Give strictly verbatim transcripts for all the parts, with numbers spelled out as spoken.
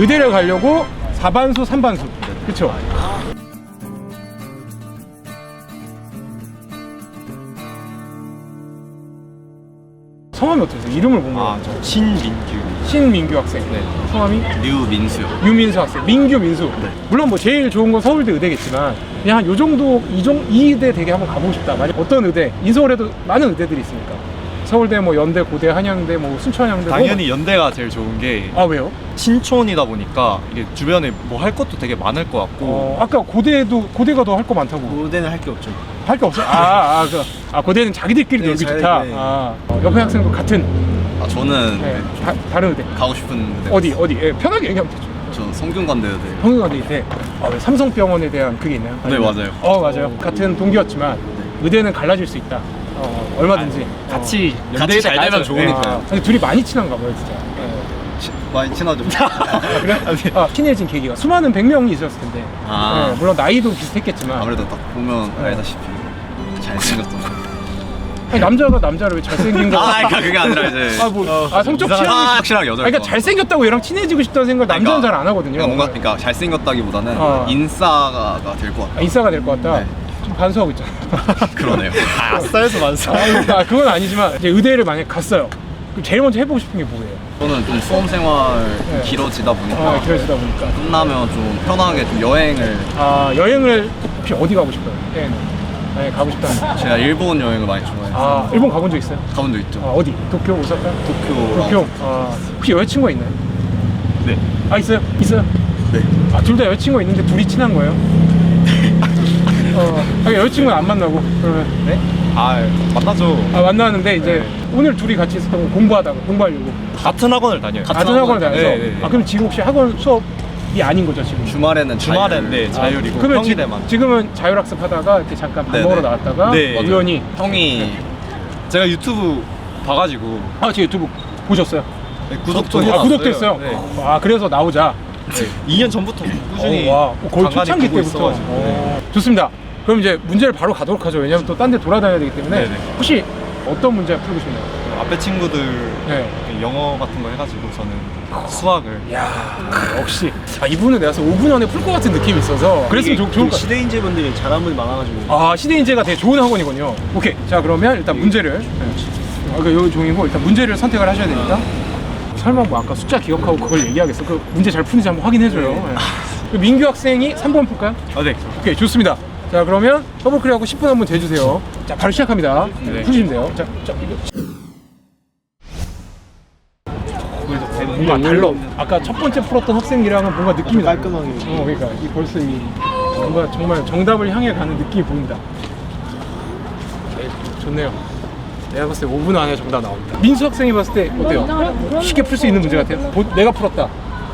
의대를 가려고 사반수, 삼반수. 그쵸? 성함이 어떠세요? 이름을 보면. 아, 저 신민규. 신민규 학생. 네. 성함이? 류민수요. 유민수 학생. 민규, 민수. 네. 물론 뭐 제일 좋은 건 서울대 의대겠지만 그냥 한 요 정도, 이, 정, 이 의대 되게 한번 가보고 싶다. 만약 어떤 의대? 인서울에도 많은 의대들이 있으니까. 서울대, 뭐 연대, 고대, 한양대, 뭐 순천향대. 당연히 뭐... 연대가 제일 좋은 게 아, 왜요? 신촌이다 보니까 이게 주변에 뭐 할 것도 되게 많을 것 같고. 어, 아까 고대도 고대가 더 할 거 많다고. 고대는 할 게 없죠. 할 게 없어? 아, 아, 그, 아 고대는 자기들끼리 네, 놀기 잘, 좋다. 네. 아, 어, 옆에 학생도 같은. 아, 저는 네, 다, 다른 의대. 가고 싶은 데 어디 어디? 예, 편하게 얘기하면 되죠. 저 성균관대여대. 성균관대 의대. 아, 왜 삼성병원에 대한 그게 있나요? 네, 아니면- 맞아요. 어, 맞아요. 같은 동기였지만 의대는 갈라질 수 있다. 어, 얼마든지. 같이 어. 같이 잘 되면 네. 좋으니까요. 아, 근데 둘이 많이 친한가 봐요, 진짜. 네. 치- 많이 친하죠. 아, 그래? 아, 친해진 계기가 수많은 백 명이 있었을 텐데. 아. 네, 물론 나이도 비슷했겠지만. 아무래도 딱 보면 네. 알다시피 잘생겼던. 아니, 남자가 남자를 왜 잘생긴 거? 아, 그러니까 그게 아니라 이제 아, 뭐, 아, 성적 이상한- 취향이. 아, 확실하게 여자일 그러니까 것 잘생겼다고 얘랑 친해지고 싶다는 생각을 남자는 잘 안 하거든요. 그러니까 뭔가 그러니까 잘생겼다기보다는 어. 인싸가 될 것 아, 같아. 인싸가 될 것 같다. 네. 좀 반수하고 있잖아. 그러네요. 아싸에서 만사. 아, 그건 아니지만 이제 의대를 만약 갔어요. 그럼 제일 먼저 해보고 싶은 게 뭐예요? 저는 좀 수험 생활 좀 네. 길어지다 보니까 아, 길어지다 보니까. 끝나면 좀 편하게 좀 여행을. 아, 여행을 혹시 어디 가고 싶어요? 여행. 네, 가고 싶다면. 제가 일본 여행을 많이 좋아해서 아, 일본 가본 적 있어요? 가본 적 있죠. 아, 어디? 도쿄, 오사카? 도쿄. 도쿄. 아, 혹시 여자친구가 있나요? 네. 아, 있어요? 있어요? 네. 아, 둘 다 여자친구가 있는데 둘이 친한 거예요? 어, 아, 여자친구는 안 만나고 그러면 네? 아, 만나죠. 아, 만나는데 이제 네. 오늘 둘이 같이 있었던 거 공부하다가 공부하려고 같은 학원을 다녀요. 같은 학원을 다녀서 네, 네, 네. 아, 그럼 지금 혹시 학원 수업이 아닌 거죠 지금? 주말에는 주말엔 자율. 네, 자율이고 그러면 지, 평일에만. 지금은 자율학습 하다가 이렇게 잠깐 밥 네네. 먹으러 나왔다가 네. 우연히 형이 제가 유튜브 봐가지고 아, 제 유튜브 보셨어요? 네, 구독도 아, 해놨어요. 구독도 했어요? 네. 아, 그래서 나오자. 네. 이 년 전부터 꾸준히 어, 와, 어, 거의 간간히 초창기 보고 때부터. 있어가지고. 어. 네. 좋습니다. 그럼 이제 문제를 바로 가도록 하죠. 왜냐면 또 딴 데 돌아다녀야 되기 때문에. 네네. 혹시 어떤 문제 풀고 싶나요? 앞에 친구들 네. 영어 같은 거 해가지고 저는 수학을. 야, 역시. 아, 이분은 내가 오 분 안에 풀 것 같은 느낌이 있어서. 그랬으면 좋, 좋을 것 같아요. 시대인재분들이 잘하는 분이 많아가지고. 아, 시대인재가 되게 좋은 학원이군요. 오케이. 자, 그러면 일단 문제를. 네. 아, 그 여기 종이고 일단 문제를 선택을 하셔야 되니까. 설마 뭐 아까 숫자 기억하고 그걸 얘기하겠어? 그 문제 잘 푸는지 한번 확인해줘요. 네. 그 민규 학생이 삼 번 풀까요? 아, 네. 오케이, 좋습니다. 자, 그러면 더블클릭하고 십 분 한번 재주세요. 자, 바로 시작합니다. 네. 푸시면 돼요. 자, 자, 이거. 뭔가 달라. 아까 첫 번째 풀었던 학생이랑은 뭔가 느낌이 달라. 깔끔하게. 어, 그러니까 이 벌써 이 뭔가 정말 정답을 향해 가는 느낌이 보인다. 네, 좋네요. 내가 봤을 때 오 분 안에 정답 나옵니다. 민수 학생이 봤을 때 어때요? 쉽게 풀 수 있는 문제 같아요? 보, 내가 풀었다.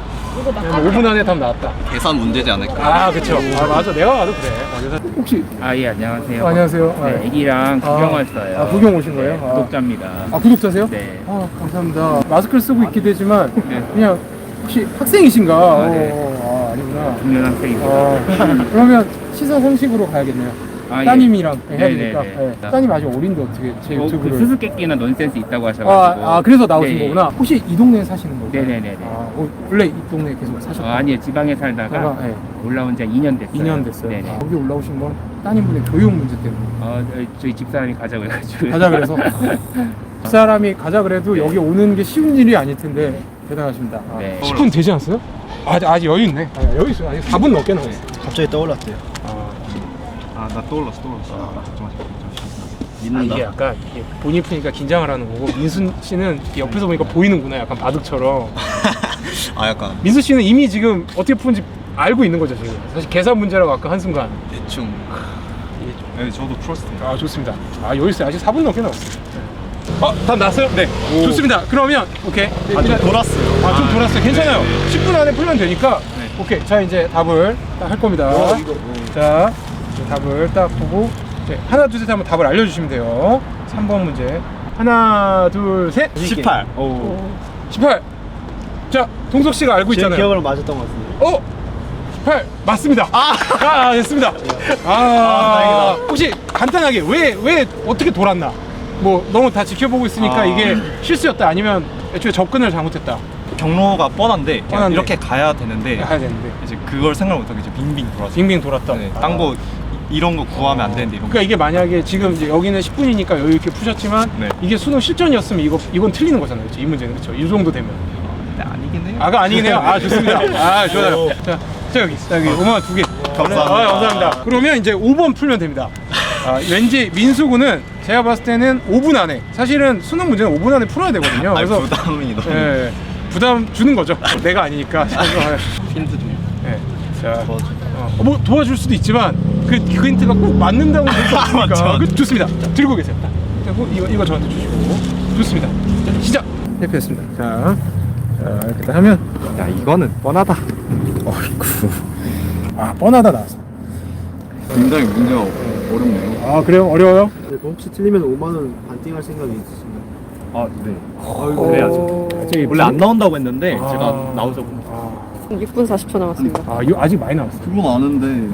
오 분 안에 답 나왔다. 계산 문제지 않을까. 아, 그쵸. 아, 맞아. 내가 봐도 그래. 아, 그래서 혹시 아, 예, 안녕하세요. 아, 안녕하세요. 네, 아, 애기랑 아, 구경 왔어요. 아, 구경 오신 거예요? 네, 아. 구독자입니다. 아, 구독자세요? 네. 아, 감사합니다. 마스크를 쓰고 있긴 되지만 네. 그냥 혹시 학생이신가? 아, 네. 어, 아, 아니구나. 중년 학생입니다. 아, 그러면 시사 상식으로 가야겠네요. 아, 예. 따님이랑 해야 네, 되니까. 네, 네. 네. 따님 아직 어린데 어떻게 제 어, 유튜브를? 그 수수께끼나 논센스 있다고 하셔가지고. 아, 아, 그래서 나오신 네. 거구나. 혹시 이 동네에 사시는 거예요? 네네네네. 아, 어, 원래 이 동네에 계속 어, 사셨나요? 아니요, 지방에 살다가 아, 네. 올라온 지 이 년 됐어요. 이 년 됐어요. 네네. 아, 여기 올라오신 건 따님분의 교육 문제 때문에. 어, 저희- 저희 집사람이 가자고 해가지고. 가자 그래서 그 사람이 가자 그래도 네. 여기 오는 게 쉬운 일이 아닐 텐데 대단하십니다. 아, 네. 십 분 되지 않았어요? 아직 아직 여유 있네. 아, 여유 있어요. 아직 사 분 넘게 남았어요. 갑자기 떠올랐대요. 아, 나 떠올랐어, 떠올랐어. 아, 걱정하지 마. 아, 이게 약간 이게 본인 푸니까 긴장을 하는 거고 민수 씨는 이렇게 옆에서 보니까 보이는구나. 약간 바둑처럼. 아, 약간 민수 씨는 이미 지금 어떻게 푸는지 알고 있는 거죠 지금. 사실 계산 문제라고 아까 한순간. 대충. 네, 저도 풀었습니다. 아, 좋습니다. 아, 여유 있어요. 아직 사 분 넘게 남았어요. 어, 답 났어요? 네. 좋습니다. 그러면 오케이. 아, 좀 돌았어요. 아, 좀 돌았어요. 괜찮아요. 네. 십 분 안에 풀면 되니까. 네. 오케이. 자, 이제 답을 딱 할 겁니다. 자, 이제 답을 딱 보고 이제 하나, 둘, 셋 하면 답을 알려주시면 돼요. 삼 번 문제. 하나, 둘, 셋. 십팔. 오. 십팔. 자, 동석 씨가 알고 제 있잖아요. 기억으로 맞았던 것 같은데. 어? 십팔 맞습니다. 아, 아 됐습니다. 아, 아, 다행이다. 혹시 간단하게 왜 왜 어떻게 돌았나? 뭐 너무 다 지켜보고 있으니까 아. 이게 실수였다 아니면 애초에 접근을 잘못했다. 경로가 뻔한데 그냥 뻔한데. 이렇게 가야 되는데 가야 되는데 이제 그걸 생각 못하고 이제 빙빙 돌아서 빙빙 돌았다. 네, 딴거 이런 거 구하면 안 되는데 이런 거. 그러니까 이게 만약에 지금 이제 여기는 십 분이니까 여유 있게 푸셨지만 네. 이게 수능 실전이었으면 이거 이건 틀리는 거잖아요. 그렇죠? 이 문제는 그렇죠. 이 정도 되면. 네, 아니긴 해요. 아가 아니긴 해요. 아 좋습니다. 아 좋아요. 자, 자 여기 자 여기 오만 두 개. 감사합니다. 아, 감사합니다. 그러면 이제 오 번 풀면 됩니다. 아, 왠지 민수군은 제가 봤을 때는 오 분 안에 사실은 수능 문제는 오 분 안에 풀어야 되거든요. 아니 그래서 부담이 너무. 예, 부담 주는 거죠. 내가 아니니까. 힌트 좀. 예. 자, 어, 뭐 도와줄 수도 있지만 그, 그 힌트가 꼭 맞는다고 볼 수 없으니까. 맞죠. 그, 좋습니다. 자, 들고 계세요. 딱. 그리고 이거 이거 저한테 주시고. 좋습니다. 자, 시작. 해피했습니다. 자, 자 이렇게 하면 야 이거는 뻔하다. 어이구. 아 뻔하다 나왔어. 굉장히 문제가 어렵네요. 아 그래요? 어려워요? 네, 그럼 혹시 틀리면 오만 원 반띵할 생각이 있으신가요? 아 네. 어, 그래야죠. 저기 원래 안 나온다고 했는데 아. 제가 나오자고. 아, 육 분 사십 초 남았습니다. 아 이거 아직 많이 남았어. 그건 아는데.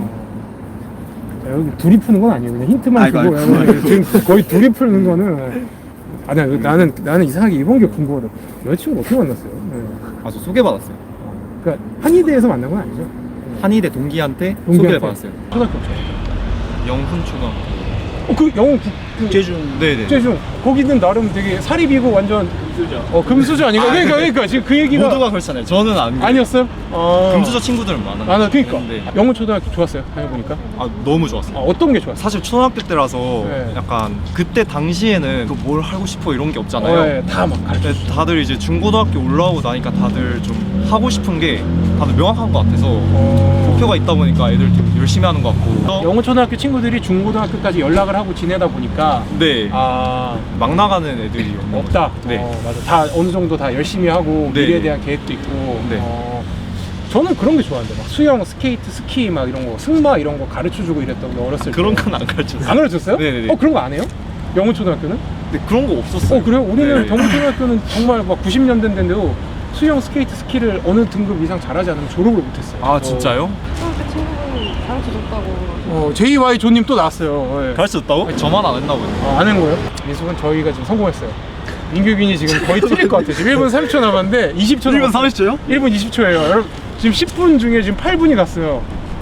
자, 여기 둘이 푸는 건 아니에요. 그냥 힌트만 아이고, 주고 아이고. 그냥 지금 거의 둘이 푸는 거는. 아, 나는 나는 나는 이상하게 이번 게 궁금하다. 여자친구 어떻게 만났어요? 네. 아저 소개받았어요. 그러니까 한의대에서 만난 건 아니죠? 한의대 동기한테, 동기한테. 소개를 받았어요. 초등학교 없죠. 영훈 초등. 어, 그 영어 국, 그, 제중 네네. 국제중 거기는 나름 되게 사립이고 완전 금수저. 어 금수저 아닌가? 그러니까 그러니까 지금 그 얘기가 모두가 그렇잖아요. 저는 안. 아니었어요? 어. 금수저 친구들은 많아요. 아, 나 그러니까 근데 영어 초등학교 좋았어요. 다녀보니까. 아 너무 좋았어요. 아, 어떤 게 좋았어요? 사실 초등학교 때라서 네. 약간 그때 당시에는 그 뭘 하고 싶어 이런 게 없잖아요. 어, 예, 다막 가르쳐. 근데 다들 이제 중고등학교 올라오고 나니까 다들 좀 하고 싶은 게 다들 명확한 것 같아서 어. 목표가 있다 보니까 애들 좀 열심히 하는 것 같고. 영어 초등학교 친구들이 중고등학교까지 연락을 하고 지내다 보니까 네. 아 막 나가는 애들이 없는 없다. 거죠. 네. 어, 맞아. 다 어느 정도 다 열심히 하고 네, 미래에 네. 대한 계획도 있고. 네. 어, 저는 그런 게 좋아하는데 막 수영, 스케이트, 스키 막 이런 거, 승마 이런 거 가르쳐주고 이랬던 게 어렸을 때. 그런 건 안 가르쳤어요. 안 가르쳤어요? 네네네. 어 그런 거 안 해요? 영어 초등학교는? 네, 그런 거 없었어요. 어 그래요? 우리는 네. 경북 초등학교는 정말 막 구십 년대인데도 수영, 스케이트, 스키를 어느 등급 이상 잘하지 않으면 졸업을 못했어요. 아 진짜요? 초등학교 친구분이 가르쳐줬다고. 어, 제이와이 조님 또 나왔어요. 예. 가르쳤다고? 저만 안 했나 보네. 아, 안 한 거예요? 민수는 저희가 지금 성공했어요. 민규균이 지금 거의 틀릴 것 같아요. 지금 일 분 삼십 초 남았는데 이십 초 일 분 남았어요. 삼십 초요? 일 분 이십 초예요. 여러분 지금 십 분 중에 지금 팔 분이 갔어요.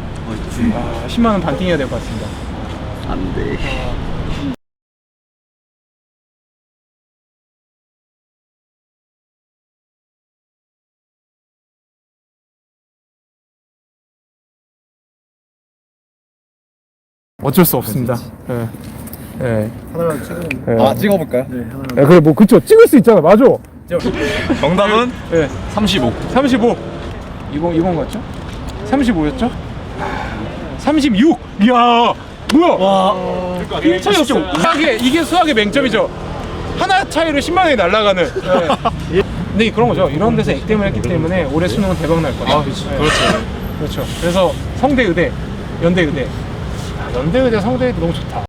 아, 십만 원 반띵해야 될 것 같습니다. 안 돼. 어쩔 수 없습니다. 예. 예. 하나만 찍으면. 예. 아 찍어볼까요? 네, 하나. 예, 그래 뭐 그쵸 찍을 수 있잖아. 맞아. 정답은 예. 삼십오. 삼십오. 이번 이번 같죠? 삼십오였죠? 삼십육. 이야. 뭐야? 와. 일 차이였어. 수학의 이게 수학의 맹점이죠. 하나 차이로 십만 원이 날아가는. 네. 근데 그런 거죠. 이런 데서 액땜을 했기 때문에 올해 수능은 대박 날 거다. 아, 그렇죠. 그렇죠. 그렇죠. 그래서 성대의대, 연대의대. 아, 연대의대, 성대의대 너무 좋다.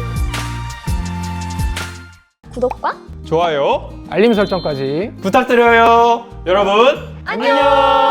구독과 좋아요, 알림 설정까지 부탁드려요, 여러분. 안녕!